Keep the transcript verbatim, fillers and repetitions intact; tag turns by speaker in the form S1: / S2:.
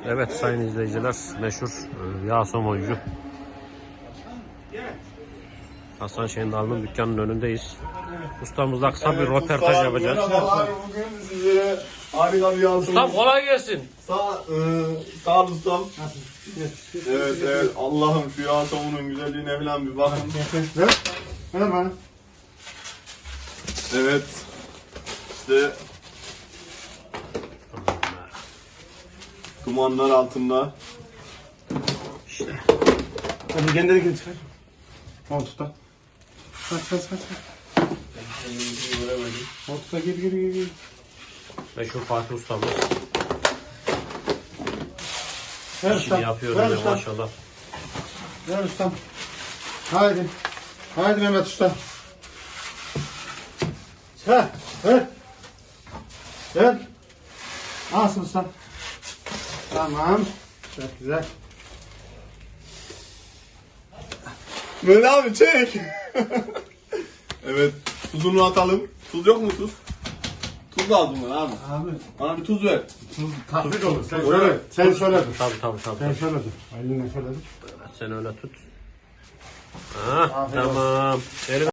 S1: Evet sayın izleyiciler, meşhur e, yağ somoncu Hasan Şendal'ın dükkanının önündeyiz. Ustamızla kısa bir
S2: Evet,
S1: röportaj
S2: ustam,
S1: yapacağız.
S2: merhabalar. Bugün sizlere harika bir yansıma.
S1: Ustam kolay gelsin.
S2: Sağ, e, sağ ol ustam. Evet evet, Allah'ım şu yansımanın güzelliğine falan bir bakın.
S3: Ver. Ver bana.
S2: Evet. İşte dumanlar altında.
S3: Hadi kendini git. Koltukta. Kaç kaç kaç. Koltukta gir gir gir. gir.
S1: Meşhur Fatih ustamız.
S3: Ver
S1: İşini
S3: ustam.
S1: yapıyor
S3: Ver
S1: öyle
S3: ustam.
S1: maşallah.
S3: Ver ustam. Haydi. Haydi Mehmet usta. Ha, ver. Ver. Alsın ustam. Tamam. Çok güzel.
S2: Böyle abi çek. Evet, tuzunu atalım. Tuz yok mu tuz? Tuz lazım bana abi.
S3: Abi.
S2: Bana bir tuz ver.
S3: Tatlı olur. Sen
S2: Öyle
S3: şöyle.
S2: mi?
S3: Sen şöyle dur.
S1: Tabii tabii tabii.
S3: Sen şöyle dur. Elinle şöyle dur.
S1: Sen öyle tut. Ha,
S3: Aferin.
S1: tamam. Verin.